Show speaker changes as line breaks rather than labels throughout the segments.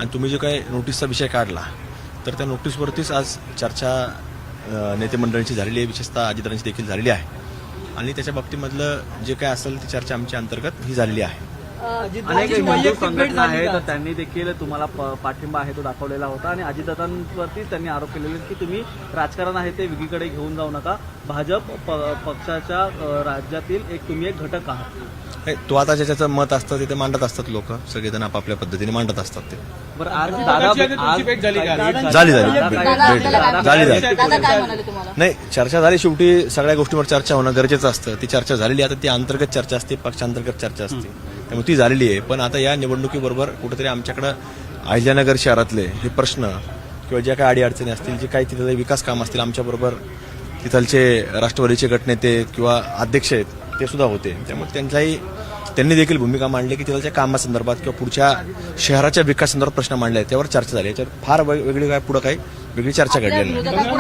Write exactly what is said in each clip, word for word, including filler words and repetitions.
आणि तुम्ही जो काही नोटीसचा विषय काढला तर त्या नोटीसवरतीच आज चर्चा नेते मंडळींची झालेली आहे, विशेषतः अजितदादांची देखील झालेली आहे आणि त्याच्या बाबतीमधलं जे काय असेल ती चर्चा आमच्या अंतर्गत ही झालेली आहे.
अनेक हिंदू संघटना आहेत तर त्यांनी देखील तुम्हाला पाठिंबा आहे तो दाखवलेला होता आणि अजितदादांवरती त्यांनी आरोप केलेले की तुम्ही राजकारण आहे ते वेगळीकडे घेऊन जाऊ नका, भाजप पक्षाच्या राज्यातील एक तुम्ही एक घटक आहात.
तो आता ज्याचं मत असतं तिथे मांडत असतात लोक, सगळेजण आपापल्या पद्धतीने मांडत असतात ते.
बरं, आज दादा
झाली झाली झाली झाली नाही चर्चा झाली. शेवटी सगळ्या गोष्टींवर चर्चा होणं गरजेचं असतं. ती चर्चा झालेली आता ती अंतर्गत चर्चा असते, पक्षांतर्गत चर्चा असते, त्यामुळे ती झालेली आहे. पण आता या निवडणुकीबरोबर कुठेतरी आमच्याकडं अहिल्यानगर शहरातले हे प्रश्न किंवा ज्या काही अडीअडचणी असतील, जे काही तिथले विकास काम असतील, आमच्याबरोबर तिथलचे राष्ट्रवादीचे गटनेते किंवा अध्यक्ष आहेत ते सुद्धा होते. त्यामुळे त्यांचाही त्यांनी देखील भूमिका मांडली की तिथलच्या कामासंदर्भात किंवा पुढच्या शहराच्या विकासासंदर्भात प्रश्न मांडले आहेत, त्यावर चर्चा झाली. याच्यावर फार वेगळी काय पुढे काही वेगळी चर्चा घडलेली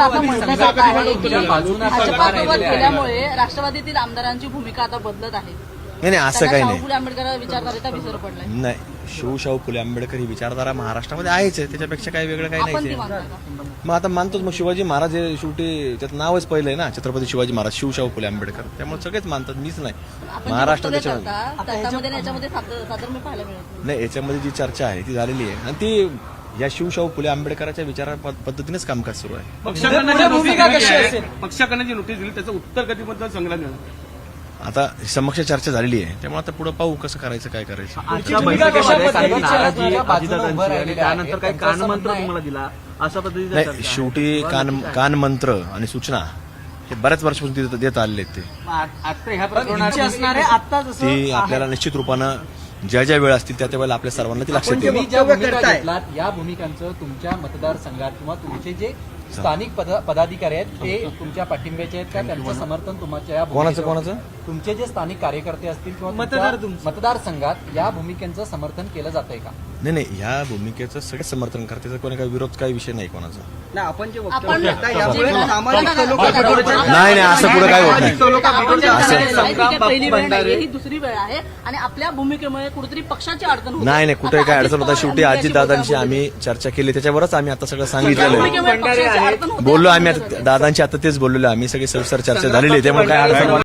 नाही. राष्ट्रवादीतील आमदारांची भूमिका आता बदलत आहे.
नाही नाही असं काही नाही.
फुले आंबेडकर विचारधारेचा विसर पडलाय.
नाही, शिवशाहू फुले आंबेडकर ही विचारधारा महाराष्ट्रामध्ये आहेच आहे, त्याच्यापेक्षा काही वेगळं काही नाही. मग आता मानतोच, मग शिवाजी महाराज हे शेवटी त्याचं नावच पहिलं आहे ना, छत्रपती शिवाजी महाराज, शिवशाहू फुले आंबेडकर, त्यामुळे सगळेच मानतात, मीच नाही. महाराष्ट्र त्याच्यामध्ये नाही, याच्यामध्ये जी चर्चा आहे ती झालेली आहे आणि ती या शिवशाहू फुले आंबेडकरांच्या विचारा पद्धतीनेच कामकाज सुरू आहे.
पक्षाकडे जी नोटीस दिली त्याचं उत्तर कधीबद्दल संग्रह देणार
आता समक्ष चर्चा झालेली आहे, त्यामुळे आता पुढे पाहू कसं करायचं, काय करायचं.
त्यानंतर काही कानमंत्र तुम्हाला दिला अशा पद्धतीने
नाही, शेवटी कान कानमंत्र आणि सूचना हे बऱ्याच वर्षापासून देत आलेले आहेत. ते ती आपल्याला निश्चित रूपानं ज्या ज्या वेळ असतील त्या त्या वेळेला आपल्या सर्वांना ती लक्षात येईल.
या भूमिकांचं तुमच्या मतदारसंघात किंवा तुमचे जे स्थानिक पदाधिकारी आहेत ते तुमच्या पाठिंब्याचे आहेत का, त्यांचं समर्थन तुमच्या
कोणाचं कोणाचं
तुमचे जे स्थानिक कार्यकर्ते असतील किंवा मतदार मतदारसंघात या भूमिकेचं समर्थन केलं जातंय का?
नाही नाही, ह्या भूमिकेचं सगळं समर्थन करते, त्याचा कोणी काही विरोध काही विषय नाही कोणाचा. नाही नाही असं पुढे काय होत नाही.
पहिली वेळ नाही, ही दुसरी वेळ आहे आणि आपल्या भूमिकेमुळे कुठेतरी पक्षाची अडचण होते.
नाही नाही, कुठे काय अडचण होता. शेवटी अजितदादांशी आम्ही चर्चा केली, त्याच्यावरच आम्ही आता सगळं सांगितलेलं बोललो आम्ही. आता दादांची आता तेच बोललेलो आम्ही, सगळी सविस्तर चर्चा झालेली आहे, त्यामुळे काय अडचण